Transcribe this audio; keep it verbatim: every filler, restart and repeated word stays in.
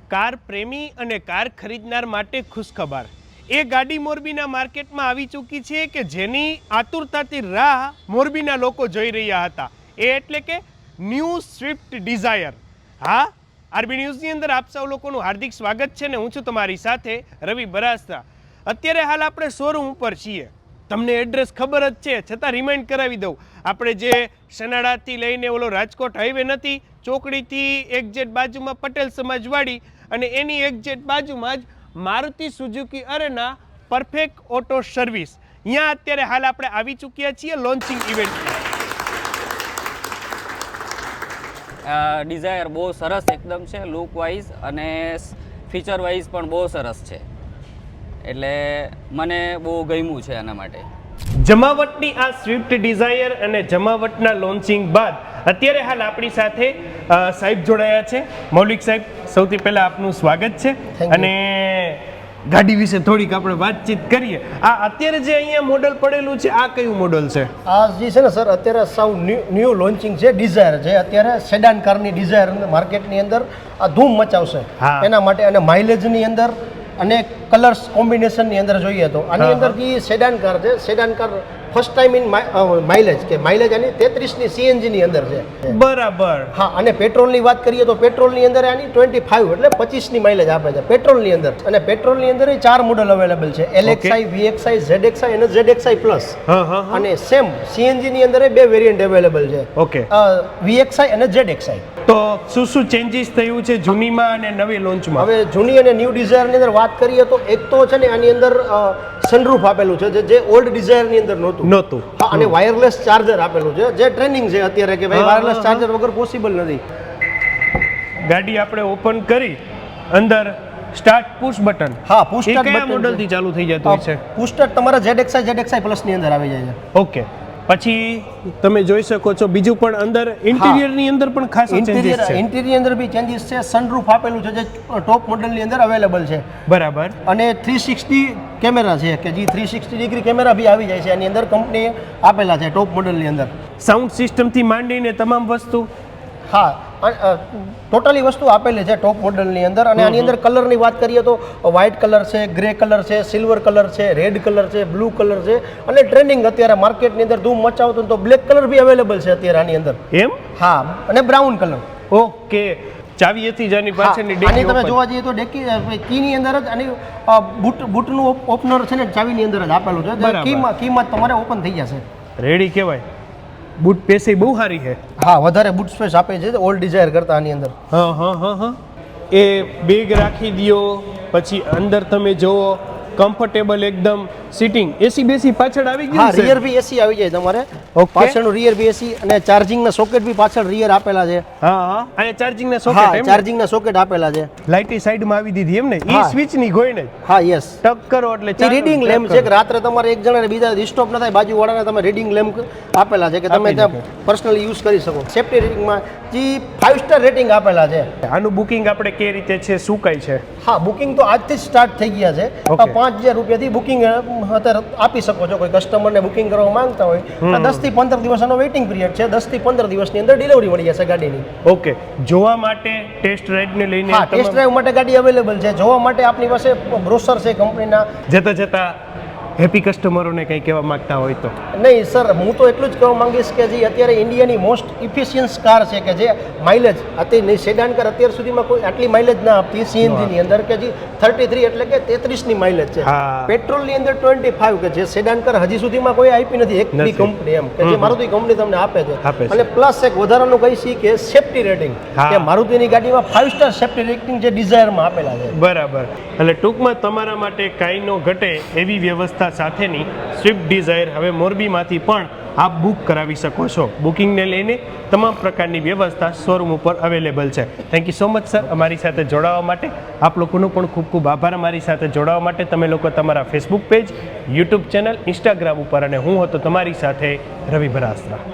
Car પ્રેમી અને car ખરીદનાર માટે ખુશખબર। એ ગાડી મોરબીના માર્કેટમાં આવી ચૂકી છે કે જેની આતુરતાથી રાહ મોરબીના લોકો જોઈ રહ્યા હતા। એ એટલે કે ન્યૂ સ્વિફ્ટ ડિઝાયર। હા, આરબી ન્યૂઝની અંદર આપ સૌ લોકોનું હાર્દિક સ્વાગત છે ને હું છું તમારી સાથે રવિ બરાસ્તા। અત્યારે હાલ આપણે શોરૂમ ઉપર છીએ, તમને એડ્રેસ ખબર જ છે છતાં રિમાઇન્ડ કરાવી દઉં। આપણે જે સનાડાથી લઈને ઓલો રાજકોટ હાઈવે નથી, ચોકડીથી એક્ઝેટ બાજુમાં પટેલ સમાજવાડી અને એની એક્ઝેટ બાજુમાં જ Maruti Suzuki Arena perfect auto service, અહીંયા અત્યારે હાલ આપણે આવી ચૂક્યા છીએ લોન્ચિંગ ઇવેન્ટ। ડિઝાયર બહુ સરસ એકદમ છે, લુક વાઇઝ અને ફીચર વાઇઝ પણ બહુ સરસ છે, એટલે મને બહુ ગમ્યું છે આના માટે। જમાવટની આ સ્વિફ્ટ ડિઝાયર અને જમાવટના લોન્ચિંગ બાદ અત્યારે હાલ આપણી સાથે સાહેબ જોડાયા છે। મૌલિક સાહેબ, સૌથી પહેલા આપનું સ્વાગત છે અને ગાડી વિશે થોડીક આપણે વાતચીત કરીએ। આ અત્યારે જે અહીંયા મોડલ પડેલું છે, આ કયું મોડલ છે? આ જે છે ને સર, અત્યારે સાવ ન્યૂ લોન્ચિંગ છે ડિઝાયર, જે અત્યારે સેડાન કારની ડિઝાયર માર્કેટની અંદર આ ધૂમ મચાવશે એના માટે, અને માઇલેજની અંદર અને કલર્સ કોમ્બિનેશનની અંદર જોઈએ તો આની અંદર જે સેડાન કાર છે, sedan car first time in mileage કે માઇલેજ આની તેત્રીસની સીએનજીની અંદર છે। બરાબર। હા, અને પેટ્રોલની વાત કરીએ તો પેટ્રોલની અંદર આની ટ્વેન્ટી ફાઈવ એટલે પચીસની માઇલેજ આપે છે પેટ્રોલની અંદર। અને પેટ્રોલની અંદર ચાર મોડલ અવેલેબલ છે, એલએક્સઆઈ, વીએક્સઆઈ, ઝેડએક્સઆઈ અને ઝેડએક્સઆઈ પ્લસ। અને સેમ સીએનજીની અંદર બે વેરિયન્ટ અવેલેબલ છે, ઓકે, વીએક્સઆઈ અને ઝેડએક્સઆઈ। તો શું શું ચેન્જીસ થયું છે જૂનીમાં અને નવી લોન્ચમાં? હવે જૂની અને ન્યૂ ડિઝાયરની અંદર વાત કરીએ તો એક તો છે ને આની અંદર સનરૂફ આપેલું છે, જે ઓલ્ડ ડિઝાયરની અંદર નહોતું નહોતું હા, અને વાયરલેસ ચાર્જર આપેલું છે, જે ટ્રેનિંગ છે અત્યારે કે ભાઈ વાયરલેસ ચાર્જર વગર પોસિબલ નથી। ગાડી આપણે ઓપન કરી અંદર સ્ટાર્ટ પુશ બટન, હા, પુશ એ સ્ટાર્ટ કયા બટન મોડલથી ચાલુ થઈ જતું હોય છે? પુશ સ્ટાર્ટ તમારા ઝેડએક્સઆઈ ઝેડએક્સઆઈ પ્લસ ની અંદર આવી જાય છે। ઓકે, પછી તમે જોઈ શકો છો બીજું પણ અંદર ઇન્ટિરિયરની અંદર પણ ખાસ ચેન્જીસ છે। ઇન્ટિરિયર અંદર બી ચેન્જીસ છે, સનરૂફ આપેલું છે જે ટોપ મોડલની અંદર અવેલેબલ છે, બરાબર। અને થ્રી સિક્સટી કેમેરા છે કે જે થ્રી સિક્સટી ડિગ્રી કેમેરા બી આવી જાય છે આની અંદર, કંપનીએ આપેલા છે ટોપ મોડલની અંદર। સાઉન્ડ સિસ્ટમથી માંડીને તમામ વસ્તુ, હા, ટોટલી વસ્તુ આપેલી છે ટોપ મોડલની અંદર। અને આની અંદર કલરની વાત કરીએ તો વ્હાઇટ કલર છે, ગ્રે કલર છે, સિલ્વર કલર છે, રેડ કલર છે, બ્લુ કલર છે, અને ટ્રેન્ડિંગ અત્યારે માર્કેટની અંદર ધૂમ મચાવતું તો બ્લેક કલર બી અવેલેબલ છે અત્યારે આની અંદર, એમ? હા, અને બ્રાઉન કલર। ઓકે, ચાવીએથી જ આની પાછળની આની ડેકી તમે જોવા જઈએ તો ડેકી કીની અંદર જ આની બૂટ બૂટનું ઓપનર છે ને ચાવીની અંદર જ આપેલું છે, કીમાં કીમાં તમારે ઓપન થઈ જશે, રેડી કહેવાય। બૂટ પેસી બહુ સારી છે, હા, વધારે બૂટ સ્પેસ આપે છે ઓલ્ડ ડિઝાયર કરતા આની અંદર। હા હા હા હા એ બેગ રાખી દો, પછી અંદર તમે જોવો કમ્ફર્ટેબલ એકદમ સીટિંગ, એસી બેસી પાછળ આવી ગયું છે, રિયર બી એસી આવી જાય તમારે, પાછળનું રિયર બી એસી, અને ચાર્જિંગના સોકેટ બી પાછળ રિયર આપેલા છે। હા હા, અને ચાર્જિંગના સોકેટ, એમ? ચાર્જિંગના સોકેટ આપેલા છે, લાઇટી સાઈડમાં આવી દીધી એમ ને, ઈ સ્વિચ ની ગોઈને? હા, યસ, ટક કરો એટલે રીડિંગ લેમ્પ છે કે રાત્રે તમારે એક જણાને બીજા ડિસ્ટર્બ ન થાય, બાજુવાળાને તમે રીડિંગ લેમ્પ આપેલા છે કે તમે ત્યાં પર્સનલી યુઝ કરી શકો। સેફ્ટી રેટિંગમાં જે ફાઇવ સ્ટાર રેટિંગ આપેલા છે। આનું બુકિંગ આપણે કઈ રીતે છે, શું કઈ છે? હા, બુકિંગ તો આજથી જ સ્ટાર્ટ થઈ ગયા છે, પાંચ હજાર રૂપિયાથી બુકિંગ અત્યારે આપી શકો છો કોઈ કસ્ટમરને બુકિંગ કરવા માંગતા હોય। દસ થી પંદર દિવસનો વેઇટિંગ પિરિયડ છે, દસ થી પંદર દિવસની અંદર ડિલિવરી મળી જશે ગાડીની। ઓકે, જોવા માટે ટેસ્ટ રાઇડ ને લઈને, હા, ટેસ્ટ ડ્રાઈવ માટે ગાડી અવેલેબલ છે, જોવા માટે આપણી પાસે બ્રોશર છે કંપનીના। જતા જતા હેપી કસ્ટમરોને કંઈ કહેવા માંગતા હોય તો? નહીં સર, હું તો એટલું જ કહેવા માંગીશ કે જે અત્યારે ઇન્ડિયાની મોસ્ટ ઇફિશિયન્સ કાર છે કે જે માઇલેજ અત્યારે સેડાન કાર અત્યાર સુધીમાં કોઈ આટલી માઇલેજ ના આપતી સીએનજીની અંદર, કે જે થર્ટી થ્રી એટલે કે તેત્રીસની માઇલેજ છે, પેટ્રોલની અંદર ટ્વેન્ટી ફાઈવ કે જે સેડાન કાર હજી સુધીમાં કોઈ આપી નથી એક બી કંપની, એમ કે જે મારુતિ કંપની તમને આપે છે। અને પ્લસ એક વધારાનું કહીશી કે સેફ્ટી રેટિંગ, કે મારુતિની ગાડીમાં ફાઈવ સ્ટાર સેફ્ટી રેટિંગ જે ડિઝાયરમાં આપેલા છે। બરાબર, એટલે ટૂંકમાં તમારા માટે કાંઈ નો ઘટે એવી વ્યવસ્થા સાથેની સ્વિફ્ટ ડિઝાયર હવે મોરબીમાંથી પણ આપ બુક કરાવી શકો છો। બુકિંગને લઈને તમામ પ્રકારની વ્યવસ્થા શોરૂમ ઉપર અવેલેબલ છે। Thank you so much sir, અમારી સાથે જોડાવા માટે। આપ લોકોનો પણ ખૂબ ખૂબ આભાર અમારી સાથે જોડાવા માટે। તમે લોકો તમારા Facebook page, YouTube channel, Instagram ઉપર, અને હું હતો તમારી સાથે રવિ બરાસ્તા।